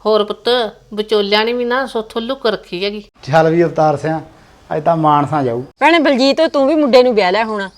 ਹੋਰ ਪੁੱਤ ਵਿਚੋਲਿਆਂ ਨੇ ਵੀ ਨਾ ਸੋਥੋਂ ਲੁੱਕ ਰੱਖੀ ਹੈਗੀ। ਚੱਲ ਵੀ ਅਵਤਾਰ ਸਿਆ ਅੱਜ ਤਾਂ ਮਾਨਸਾ ਜਾਊ। ਭੈਣੇ ਬਲਜੀਤ ਤੂੰ ਵੀ ਮੁੰਡੇ ਨੂੰ ਵਿਆਹ ਲਿਆ ਹੋਣਾ।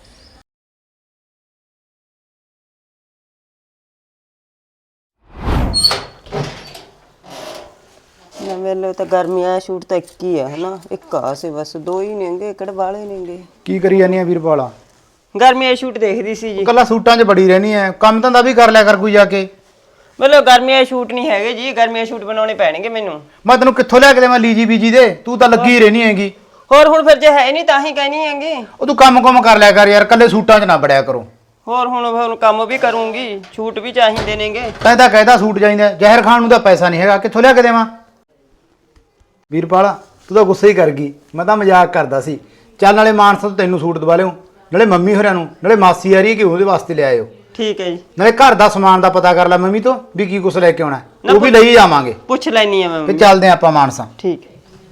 ਵੇਲੇ ਤਾਂ ਗਰਮੀਆਂ ਸ਼ੂਟ ਤਾਂ ਇੱਕ ਹੀ ਆ ਹਨਾ, ਇੱਕ ਆ ਸੇ ਬਸ, ਦੋ ਹੀ ਨੇਗੇ, ਕਿਹੜੇ ਵਾਲੇ ਨੇਗੇ। ਕੀ ਕਰੀ ਜਾਨੀ ਆ ਵੀਰਪਾਲਾ? ਗਰਮੀਆਂ ਸ਼ੂਟ ਦੇਖਦੀ ਸੀ ਜੀ। ਕੱਲਾ ਸੂਟਾਂ 'ਚ ਬੜੀ ਰਹਿਣੀ ਐ, ਕੰਮ ਧੰਦਾ ਵੀ ਕਰ ਲਿਆ ਕਰ ਕੋਈ ਜਾ ਕੇ। ਮਤਲਬ ਗਰਮੀਆਂ ਸ਼ੂਟ ਨਹੀਂ ਹੈਗੇ ਜੀ, ਗਰਮੀਆਂ ਸ਼ੂਟ ਬਣਾਉਣੇ ਪੈਣਗੇ ਮੈਨੂੰ। ਮੈਂ ਤੈਨੂੰ ਕਿੱਥੋਂ ਲਿਆ ਕੇ ਦੇਵਾਂ ਲੀਜੀ ਬੀਜੀ ਦੇ, ਤੂੰ ਤਾਂ ਲੱਗੀ ਰਹਿਣੀ ਹੈਗੀ। ਹੋਰ ਹੁਣ ਫਿਰ ਜੇ ਹੈ ਨਹੀਂ ਤਾਂ ਹੀ ਕਹਿਣੀ ਹੈਗੀ। ਉਹ ਤੂੰ ਕੰਮ ਕਰ ਲਿਆ ਕਰ ਯਾਰ, ਕੱਲੇ ਸੂਟਾਂ 'ਚ ਨਾ ਬੜਿਆ ਕਰੋ। ਹੋਰ ਹੁਣ ਕੰਮ ਵੀ ਕਰੂੰਗੀ, ਛੂਟ ਵੀ ਚਾਹੀਦੇ ਨੇਗੇ। ਤੈਂ ਤਾਂ ਕਹਿਦਾ ਸੂਟ ਚਾਹੀਦਾ, ਜ਼ਹਿਰ ਖਾਣ ਨੂੰ ਤਾਂ ਪੈਸਾ ਨਹੀਂ ਹੈਗਾ, ਕਿੱਥੋਂ ਲਿਆ ਕੇ ਦੇਵਾਂ? ਵੀਰਪਾਲਾ ਤੂੰ ਤਾਂ ਗੁੱਸੇ ਹੀ ਕਰ ਗਈ, ਮੈਂ ਤਾਂ ਮਜ਼ਾਕ ਕਰਦਾ ਸੀ। ਚੱਲ ਨਾਲੇ ਮਾਨਸਾ ਤੋਂ ਤੈਨੂੰ ਸੂਟ ਦਵਾ ਲਿਓ, ਨਾਲੇ ਮੰਮੀ ਹੋਰਾਂ ਨੂੰ, ਨਾਲੇ ਮਾਸੀ ਆ ਰਹੀ ਹੈ ਕਿ ਉਹਦੇ ਵਾਸਤੇ ਲੈ ਆਇਓ। ਠੀਕ ਹੈ ਜੀ। ਨਾਲੇ ਘਰ ਦਾ ਸਮਾਨ ਦਾ ਪਤਾ ਕਰ ਲੈ ਮੰਮੀ ਤੋਂ ਵੀ ਕੀ ਕੁਛ ਲੈ ਕੇ ਆਉਣਾ, ਉਹ ਵੀ ਲਈ ਜਾਵਾਂਗੇ। ਪੁੱਛ ਲੈਣੀ ਆ ਮੈਂ। ਤੇ ਚੱਲਦੇ ਆਪਾਂ ਮਾਨਸਾ। ਠੀਕ ਹੈ।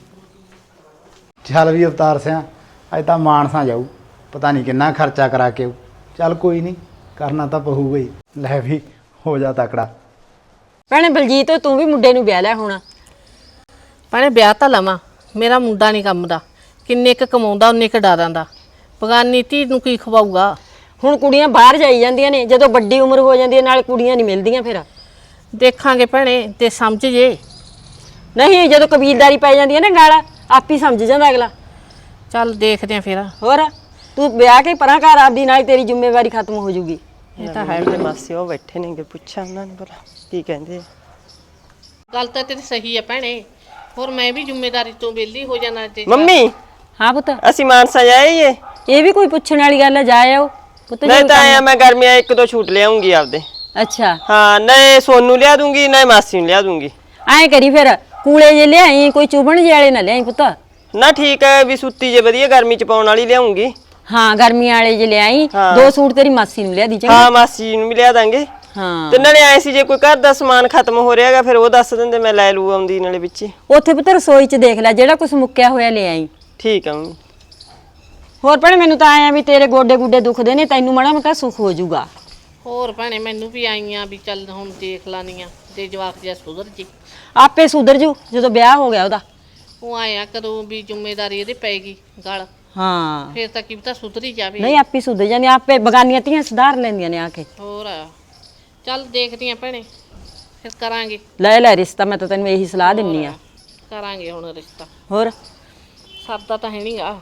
ਚੱਲ ਵੀ ਅਵਤਾਰ ਸਿਆ ਅੱਜ ਤਾਂ ਮਾਨਸਾ ਜਾਊ, ਪਤਾ ਨਹੀਂ ਕਿੰਨਾ ਖਰਚਾ ਕਰਾ ਕੇ ਆਊ। ਚੱਲ ਕੋਈ ਨਹੀਂ, ਕਰਨਾ ਤਾਂ ਪਊਗਾ ਹੀ। ਲੈ ਵੀ ਹੋ ਜਾ ਤਕੜਾ। ਭੈਣੇ ਬਲਜੀਤ ਤੂੰ ਵੀ ਮੁੰਡੇ ਨੂੰ ਵਿਆਹ ਲਿਆ ਹੋਣਾ। ਭੈਣੇ ਵਿਆਹ ਤਾਂ ਲਵਾਂ, ਮੇਰਾ ਮੁੰਡਾ ਨਹੀਂ ਕੰਮ ਦਾ, ਕਿੰਨੇ ਕੁ ਕਮਾਉਂਦਾ ਉਨੇ ਕੁ ਡਾਰਾਂ ਦਾ, ਬਗਾਨੀ ਧੀ ਨੂੰ ਕੀ ਖਵਾਊਗਾ। ਹੁਣ ਕੁੜੀਆਂ ਬਾਹਰ ਜਾਈ ਜਾਂਦੀਆਂ ਨੇ, ਜਦੋਂ ਵੱਡੀ ਉਮਰ ਹੋ ਜਾਂਦੀ ਹੈ ਨਾਲ ਕੁੜੀਆਂ ਨਹੀਂ ਮਿਲਦੀਆਂ। ਫਿਰ ਦੇਖਾਂਗੇ ਭੈਣੇ ਤੇ ਸਮਝ ਜੇ। ਨਹੀਂ ਜਦੋਂ ਕਬੀਲਦਾਰੀ ਪੈ ਜਾਂਦੀ ਹੈ ਨਾ ਨਾਲ, ਆਪ ਹੀ ਸਮਝ ਜਾਂਦਾ ਅਗਲਾ। ਚੱਲ ਦੇਖਦੇ ਆ ਫਿਰ। ਹੋਰ ਤੂੰ ਵਿਆਹ ਕੇ ਪਰਾਂ ਘਰ ਆਪਦੀ, ਨਾਲ ਤੇਰੀ ਜ਼ਿੰਮੇਵਾਰੀ ਖਤਮ ਹੋ ਜੂਗੀ। ਇਹ ਤਾਂ ਹੈ ਮੇਰੇ ਮਾਸੀ ਉਹ ਬੈਠੇ ਨੇਗੇ, ਪੁੱਛਾਂ ਉਹਨਾਂ ਨੂੰ ਭਲਾ ਕੀ ਕਹਿੰਦੇ ਆ। ਗੱਲ ਤਾਂ ਤੇਰੀ ਸਹੀ ਹੈ ਭੈਣੇ, ਹੋਰ ਮੈਂ ਵੀ ਜ਼ਿੰਮੇਵਾਰੀ ਤੋਂ ਵਿਹਲੀ ਹੋ ਜਾਣਾ। ਤੇ ਮੰਮੀ ਹਾਂ ਪੁੱਤ, ਅਸੀਂ ਮਾਨਸਾ ਜਾਈਏ? ਇਹ ਵੀ ਕੋਈ ਪੁੱਛਣ ਵਾਲੀ ਗੱਲ ਹੈ, ਜਾ ਆਓ ਪੁੱਤ। ਨਹੀਂ ਤਾਂ ਆਇਆ ਮੈਂ ਗਰਮੀਆਂ ਇੱਕ ਦੋ ਛੂਟ ਲਿਆਉਂਗੀ ਆਪਦੇ। ਅੱਛਾ ਹਾਂ, ਨਹੀਂ ਸੋਨੂੰ ਲਿਆ ਦੂੰਗੀ ਨਾ ਮਾਸੀ ਨੂੰ ਲਿਆ ਦੂੰਗੀ। ਐਂ ਕਰੀ ਫਿਰ ਕੂਲੇ ਜੇ ਲਿਆਈ, ਕੋਈ ਚੁਬਣ ਜੇ ਵਾਲੇ ਨਾ ਲਿਆਈ ਪੁੱਤ। ਨਾ ਠੀਕ ਹੈ, ਵੀ ਸੁੱਤੀ ਜੇ ਵਧੀਆ ਗਰਮੀ ਚ ਪਾਉਣ ਵਾਲੀ ਲਿਆਉਂਗੀ। ਹਾਂ ਗਰਮੀਆਂ ਵਾਲੇ ਜੇ ਲਿਆਈ, ਦੋ ਸੂਟ ਤੇਰੀ ਮਾਸੀ ਨੂੰ ਲਿਆ ਦੀ ਚੰਗਾ। ਹਾਂ ਮਾਸੀ ਨੂੰ ਵੀ ਲਿਆ ਦਾਂਗੇ। ਹਾਂ ਤੇ ਨਾਲੇ ਆਏ ਸੀ ਜੇ ਕੋਈ ਘਰ ਦਾ ਸਮਾਨ ਖਤਮ ਹੋ ਰਿਹਾਗਾ ਫਿਰ ਉਹ ਦੱਸ ਦਿੰਦੇ, ਮੈਂ ਲੈ ਲੂ ਆਉਂਦੀ ਨਾਲੇ ਵਿੱਚ। ਉੱਥੇ ਪੁੱਤ ਰਸੋਈ 'ਚ ਦੇਖ ਲੈ, ਜਿਹੜਾ ਕੁਝ ਮੁੱਕਿਆ ਹੋਇਆ ਲੈ ਆਈ। ਠੀਕ ਆ ਮੰਮੀ। ਹੋਰ ਭੈਣੇ ਮੈਨੂੰ ਤਾਂ ਆਇਆ ਵੀ ਤੇਰੇ ਗੋਡੇ ਗੁੱਡੇ ਦੁਖਦੇ ਨੇ, ਤੈਨੂੰ ਮਾੜਾ ਮੋਟਾ ਸੁੱਖ ਹੋ ਜਾਊਗਾ। ਹੋਰ ਭੈਣੇ ਮੈਨੂੰ ਵੀ ਆਈਆਂ ਵੀ ਚੱਲ ਹੁਣ ਦੇਖ ਲਾਨੀਆਂ ਤੇ ਜਵਾਕ ਜਿਹਾ ਸੁਧਰ ਜੀ। ਆਪੇ ਸੁਧਰ ਜੂ ਜਦੋਂ ਵਿਆਹ ਹੋ ਗਿਆ ਉਹਦਾ। ਉਹ ਆਇਆ ਕਦੋਂ ਵੀ ਜ਼ਿੰਮੇਵਾਰੀ ਇਹਦੇ ਪੈਗੀ ਗਲ, ਹਾਂ ਫਿਰ ਤਾਂ ਕੀ ਪਤਾ ਸੁਧਰੀ ਜਾਵੇ। ਨਹੀਂ ਆਪੇ ਸੁਧਰ ਜਾਂਦੀ, ਆਪੇ ਬਗਾਨੀਆਂ ਧੀਆਂ ਸੁਧਾਰ ਲੈਂਦੀਆਂ ਨੇ ਆ ਕੇ। ਹੋਰ ਚੱਲ ਦੇਖਦੀ ਆ ਭੈਣੇ, ਫਿਰ ਕਰਾਂਗੇ। ਲੈ ਰਿਸ਼ਤਾ, ਮੈਂ ਤਾਂ ਤੈਨੂੰ ਇਹੀ ਸਲਾਹ ਦਿੰਨੀ ਆ। ਕਰਾਂਗੇ ਹੁਣ ਰਿਸ਼ਤਾ, ਹੋਰ ਸਰਦਾ ਤਾਂ ਹੈ ਨਹੀਂਗਾ।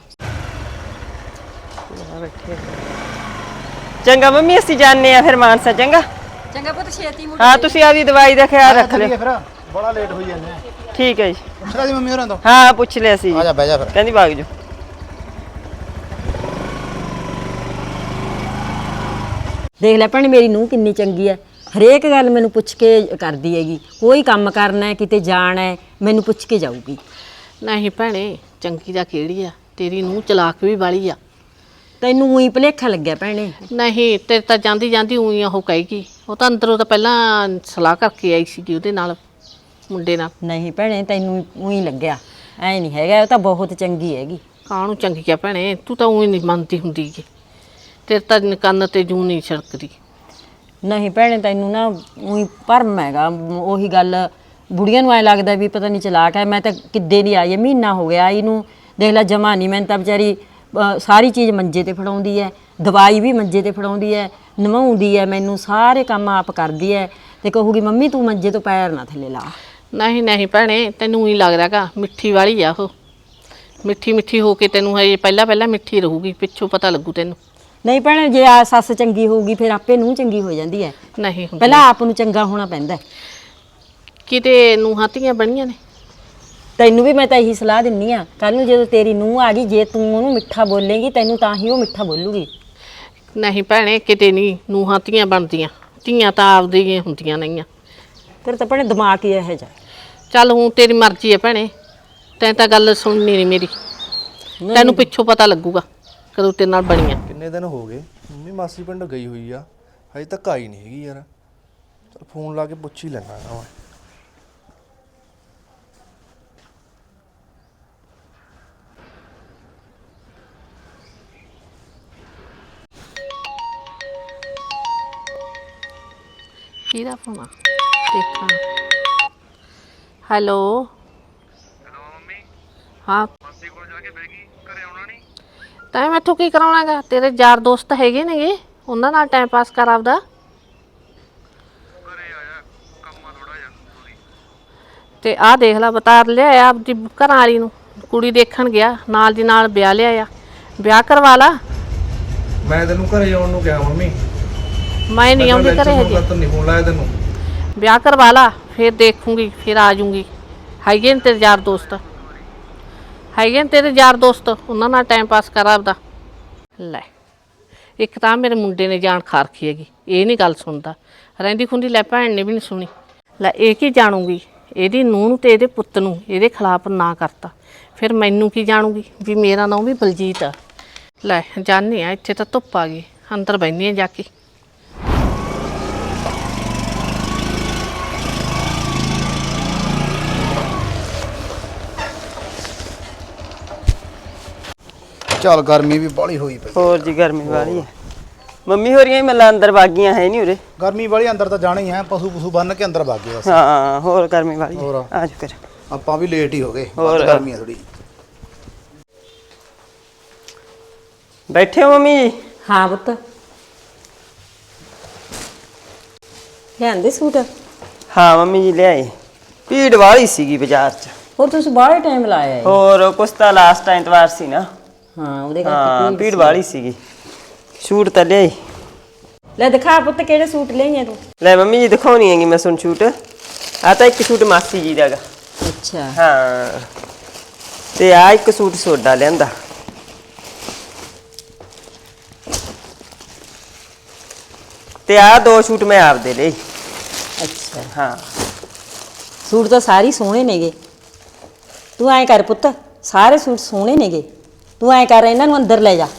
ਚੰਗਾ ਮੰਮੀ ਅਸੀਂ ਜਾਣੇ ਆ ਫਿਰ ਮਾਨਸਾ। ਚੰਗਾ ਚੰਗਾ ਪੁੱਤ, ਛੇਤੀ ਮੁੜ। ਹਾਂ ਤੁਸੀਂ ਆਪਦੀ ਦਵਾਈ ਦਾ ਖਿਆਲ ਰੱਖ ਲਿਓ। ਫਿਰ ਬੜਾ ਲੇਟ ਹੋਈ ਜਾਂਦੇ ਆ। ਠੀਕ ਹੈ ਜੀ। ਪੁੱਛਦਾ ਜੀ ਮੰਮੀ ਹੋਰਾਂ ਤੋਂ। ਹਾਂ ਪੁੱਛ ਲਿਆ ਸੀ। ਆ ਜਾ ਬਹਿ ਜਾ ਫਿਰ। ਕਹਿੰਦੀ ਭਾਗ ਜੋ। ਦੇਖ ਲੈ ਭੈਣੇ ਮੇਰੀ ਨੂੰਹ ਕਿੰਨੀ ਚੰਗੀ ਐ, ਹਰੇਕ ਗੱਲ ਮੈਨੂੰ ਪੁੱਛ ਕੇ ਕਰਦੀ ਹੈਗੀ। ਕੋਈ ਕੰਮ ਕਰਨਾ ਹੈ, ਕਿਤੇ ਜਾਣਾ ਹੈ, ਮੈਨੂੰ ਪੁੱਛ ਕੇ ਜਾਊਗੀ। ਨਹੀਂ ਭੈਣੇ ਚੰਗੀ ਦਾ ਕਿਹੜੀ ਆ, ਤੇਰੀ ਨੂੰਹ ਚਲਾਕ ਵੀ ਵਾਲੀ ਆ। ਤੈਨੂੰ ਉਹੀ ਭੁਲੇਖਾ ਲੱਗਿਆ ਭੈਣੇ। ਨਹੀਂ ਤੇਰੇ ਤਾਂ ਜਾਂਦੀ ਜਾਂਦੀ ਉਹੀ ਉਹ ਕਹੇਗੀ, ਉਹ ਤਾਂ ਅੰਦਰੋਂ ਤਾਂ ਪਹਿਲਾਂ ਸਲਾਹ ਕਰਕੇ ਆਈ ਸੀਗੀ ਉਹਦੇ ਨਾਲ, ਮੁੰਡੇ ਨਾਲ। ਨਹੀਂ ਭੈਣੇ ਤੈਨੂੰ ਉਹੀ ਲੱਗਿਆ, ਐ ਨਹੀਂ ਹੈਗਾ, ਉਹ ਤਾਂ ਬਹੁਤ ਚੰਗੀ ਹੈਗੀ। ਕਾਹਨੂੰ ਚੰਗੀ ਆ ਭੈਣੇ, ਤੂੰ ਤਾਂ ਉਹੀ ਨਹੀਂ ਮੰਨਦੀ ਹੁੰਦੀ ਗੀ, ਤੇਰੇ ਤਾਂ ਕੰਨ ਤੇ ਜੂੰ ਨਹੀਂ ਛੜਕਦੀ। ਨਹੀਂ ਭੈਣੇ ਤੈਨੂੰ ਨਾ ਉਹੀ ਭਰਮ ਹੈਗਾ, ਉਹੀ ਗੱਲ ਬੁੜੀਆਂ ਨੂੰ ਐ ਲੱਗਦਾ ਵੀ ਪਤਾ ਨਹੀਂ ਚਲਾਕ ਹੈ। ਮੈਂ ਤਾਂ ਕਿੱਦੇ ਦੀ ਆਈ, ਮਹੀਨਾ ਹੋ ਗਿਆ ਆਈ ਨੂੰ, ਦੇਖ ਲੈ ਜਮਾ ਨਹੀਂ। ਮੈਨੂੰ ਤਾਂ ਵਿਚਾਰੀ ਸਾਰੀ ਚੀਜ਼ ਮੰਜੇ ਤੇ ਫੜਾਉਂਦੀ ਹੈ, ਦਵਾਈ ਵੀ ਮੰਜੇ ਤੇ ਫੜਾਉਂਦੀ ਹੈ, ਨਵਾਉਂਦੀ ਹੈ ਮੈਨੂੰ, ਸਾਰੇ ਕੰਮ ਆਪ ਕਰਦੀ ਹੈ। ਤੇ ਕਹੂਗੀ ਮੰਮੀ ਤੂੰ ਮੰਜੇ ਤੋਂ ਪੈਰ ਨਾ ਥੱਲੇ ਲਾ। ਨਹੀਂ ਨਹੀਂ ਭੈਣੇ ਤੈਨੂੰ ਹੀ ਲੱਗਦਾ ਗਾ, ਮਿੱਠੀ ਵਾਲੀ ਆ ਉਹ, ਮਿੱਠੀ ਮਿੱਠੀ ਹੋ ਕੇ ਤੈਨੂੰ ਹਜੇ ਪਹਿਲਾਂ ਮਿੱਠੀ ਰਹੂਗੀ, ਪਿੱਛੋਂ ਪਤਾ ਲੱਗੂ ਤੈਨੂੰ। ਨਹੀਂ ਭੈਣੇ ਜੇ ਆ ਸੱਸ ਚੰਗੀ ਹੋਊਗੀ ਫਿਰ ਆਪੇ ਨੂੰਹ ਚੰਗੀ ਹੋ ਜਾਂਦੀ ਹੈ। ਨਹੀਂ ਪਹਿਲਾਂ ਆਪ ਨੂੰ ਚੰਗਾ ਹੋਣਾ ਪੈਂਦਾ। ਕਿਤੇ ਨੂੰਹਾਂ ਧੀਆਂ ਬਣੀਆਂ ਨੇ। ਤੈਨੂੰ ਵੀ ਮੈਂ ਤਾਂ ਇਹੀ ਸਲਾਹ ਦਿੰਨੀ ਆ, ਕੱਲ ਨੂੰ ਜਦੋਂ ਤੇਰੀ ਨੂੰਹ ਆ ਗਈ, ਜੇ ਤੂੰ ਉਹਨੂੰ ਮਿੱਠਾ ਬੋਲੇਂਗੀ ਤੈਨੂੰ ਤਾਂ ਹੀ ਉਹ ਮਿੱਠਾ ਬੋਲੂਗੀ। ਨਹੀਂ ਭੈਣੇ ਕਿਤੇ ਨਹੀਂ ਨੂੰਹਾਂ ਧੀਆਂ ਬਣਦੀਆਂ, ਧੀਆਂ ਤਾਂ ਆਪਦੀਆਂ ਹੁੰਦੀਆਂ ਨਹੀਂਆਂ। ਤੇਰੇ ਤਾਂ ਭੈਣੇ ਦਿਮਾਗ ਹੀ ਇਹੋ ਜਿਹਾ। ਚੱਲ ਹੁਣ ਤੇਰੀ ਮਰਜ਼ੀ ਹੈ ਭੈਣੇ, ਤੈਂ ਤਾਂ ਗੱਲ ਸੁਣਨੀ ਨਹੀਂ ਮੇਰੀ, ਤੈਨੂੰ ਪਿੱਛੋਂ ਪਤਾ ਲੱਗੂਗਾ ਕਦੋਂ ਤੇਰੇ ਨਾਲ ਬਣੀਆਂ। ਕਿੰਨੇ ਦਿਨ ਹੋ ਗਏ ਮੰਮੀ ਮਾਸੀ ਪਿੰਡ ਗਈ ਹੋਈ ਆ, ਹਜੇ ਤੱਕ ਆਈ ਨਹੀਂ ਹੈਗੀ ਯਾਰ। ਚਲ ਫੋਨ ਲਾ ਕੇ ਪੁੱਛ ਹੀ ਲੈਣਾ ਵਾ। ਕਿਹਦਾ ਫੋਨ ਆ ਦੇਖਾਂ। ਹੈਲੋ ਹਾਂ ਤੈਂ ਮੈਥੋਂ ਕੀ ਕਰਾਉਣਾਗਾ? ਤੇਰੇ ਯਾਰ ਦੋਸਤ ਹੈਗੇ ਨੇਗੇ, ਉਹਨਾਂ ਨਾਲ ਟਾਈਮ ਪਾਸ ਕਰ ਆਪਦਾ। ਤੇ ਆਹ ਦੇਖ ਲਾ, ਬਤਾਰ ਲਿਆ ਆਪਦੀ ਘਰਾਂ ਵਾਲੀ ਨੂੰ, ਕੁੜੀ ਦੇਖਣ ਗਿਆ, ਨਾਲ ਦੀ ਨਾਲ ਵਿਆਹ ਲਿਆ। ਵਿਆਹ ਕਰਵਾ ਲਾ। ਮੈਂ ਤੈਨੂੰ ਘਰੇ ਆਉਣ ਨੂੰ ਕਿਹਾ ਮੰਮੀ। ਮੈਂ ਨਹੀਂ ਆਉਂਦੀ ਘਰੇ ਹਜੇ। ਨਹੀਂ ਫੋਨ ਲਾਇਆ ਤੈਨੂੰ। ਵਿਆਹ ਕਰਵਾ ਲਾ, ਫਿਰ ਦੇਖੂੰਗੀ, ਫਿਰ ਆ ਜਾਊਂਗੀ। ਹੈਗੇ ਨੇ ਤੇਰੇ ਯਾਰ ਦੋਸਤ, ਹੈਗੇ ਨੇ ਤੇਰੇ ਯਾਰ ਦੋਸਤ, ਉਹਨਾਂ ਨਾਲ ਟਾਈਮ ਪਾਸ ਕਰ ਆਪਦਾ। ਲੈ ਇੱਕ ਤਾਂ ਮੇਰੇ ਮੁੰਡੇ ਨੇ ਜਾਣ ਖਾਰਖੀ ਹੈਗੀ, ਇਹ ਨਹੀਂ ਗੱਲ ਸੁਣਦਾ। ਰਹਿੰਦੀ ਖੁੰਦੀ ਲੈ ਭੈਣ ਨੇ ਵੀ ਨਹੀਂ ਸੁਣੀ। ਲੈ ਇਹ ਕੀ ਜਾਣੂਗੀ, ਇਹਦੀ ਨੂੰਹ ਨੂੰ ਤੇ ਇਹਦੇ ਪੁੱਤ ਨੂੰ ਇਹਦੇ ਖਿਲਾਫ ਨਾ ਕਰਤਾ, ਫਿਰ ਮੈਨੂੰ ਕੀ ਜਾਣੂਗੀ ਵੀ ਮੇਰਾ ਨਾਂ ਵੀ ਬਲਜੀਤ ਆ। ਲੈ ਜਾਂਦੇ ਆ, ਇੱਥੇ ਤਾਂ ਧੁੱਪ ਆ ਗਈ, ਅੰਦਰ ਬਹਿੰਦੀ ਆ ਜਾ ਕੇ। ਚੱਲ ਗਰਮੀ ਵੀ ਬਾਹਲੀ ਹੋਈ ਪਈ। ਹੋਰ ਜੀ ਗਰਮੀ ਵਾਲੀ ਹੈ। ਮੰਮੀ ਹੋ ਰਹੀਆਂ ਹੀ ਮੱਲਾ ਅੰਦਰ ਵਾਗੀਆਂ ਹੈ ਨਹੀਂ ਉਰੇ। ਗਰਮੀ ਵਾਲੀ ਅੰਦਰ ਤਾਂ ਜਾਣਾ ਹੀ ਹੈ, ਪਸ਼ੂ ਪਸ਼ੂ ਬੰਨ ਕੇ ਅੰਦਰ ਵਗ ਗਏ ਬਸ। ਹਾਂ ਹੋਰ ਗਰਮੀ ਵਾਲੀ ਹੋਰ। ਆ ਜਾ ਫਿਰ। ਆਪਾਂ ਵੀ ਲੇਟ ਹੀ ਹੋ ਗਏ, ਹੋਰ। ਬਹੁਤ ਗਰਮੀ ਹੈ ਥੋੜੀ। ਬੈਠੇ ਹੋ ਮੰਮੀ ਜੀ? ਹਾਂ ਪੁੱਤ, ਲਿਆਂਦੇ ਸੂਟ? ਹਾਂ ਮੰਮੀ ਜੀ ਲਿਆਏ। ਭੀੜ ਵਾਲੀ ਸੀਗੀ ਬਾਜ਼ਾਰ 'ਚ। ਹੋਰ ਤੁਸੀਂ ਬਾਹਲੇ ਟਾਈਮ ਲਾਇਆ ਹੈ। ਹੋਰ ਕੁਛ ਤਾਂ ਲਾਸਟ ਐਤਵਾਰ ਸੀ ਨਾ। ਹਾਂ ਉਹਦੇ ਹਾਂ ਕਰਕੇ ਭੀੜ ਵਾਲੀ ਸੀਗੀ। ਸੂਟ ਤਾਂ ਲਿਆਈ। ਲੈ ਦਿਖਾ ਪੁੱਤ ਕਿਹੜੇ ਸੂਟ ਲਈਆਂ ਤੂੰ? ਲੈ ਮੰਮੀ ਜੀ ਦਿਖਾਉਣੀ ਹੈਗੀ ਮੈਂ ਸੁਣ ਸੂਟ। ਆ ਤਾਂ ਇੱਕ ਸੂਟ ਮਾਸੀ ਜੀ ਦਾਗਾ। ਅੱਛਾ ਹਾਂ ਤੇ ਆ ਇੱਕ ਸੂਟ ਸੋਡਾ ਲਿਆਂਦਾ। ਤੇ ਆ ਦੋ ਸੂਟ ਮੈਂ ਆਪਦੇ ਲਈ। ਅੱਛਾ, ਹਾਂ ਸੂਟ ਤਾਂ ਸਾਰੇ ਹੀ ਸੋਹਣੇ ਨੇਗੇ। ਤੂੰ ਐਂ ਕਰ ਪੁੱਤ, ਸਾਰੇ ਸੂਟ ਸੋਹਣੇ ਨੇਗੇ, ਤੂੰ ਐਂ ਕਰ ਇਹਨਾਂ ਨੂੰ ਅੰਦਰ ਲੈ ਜਾ।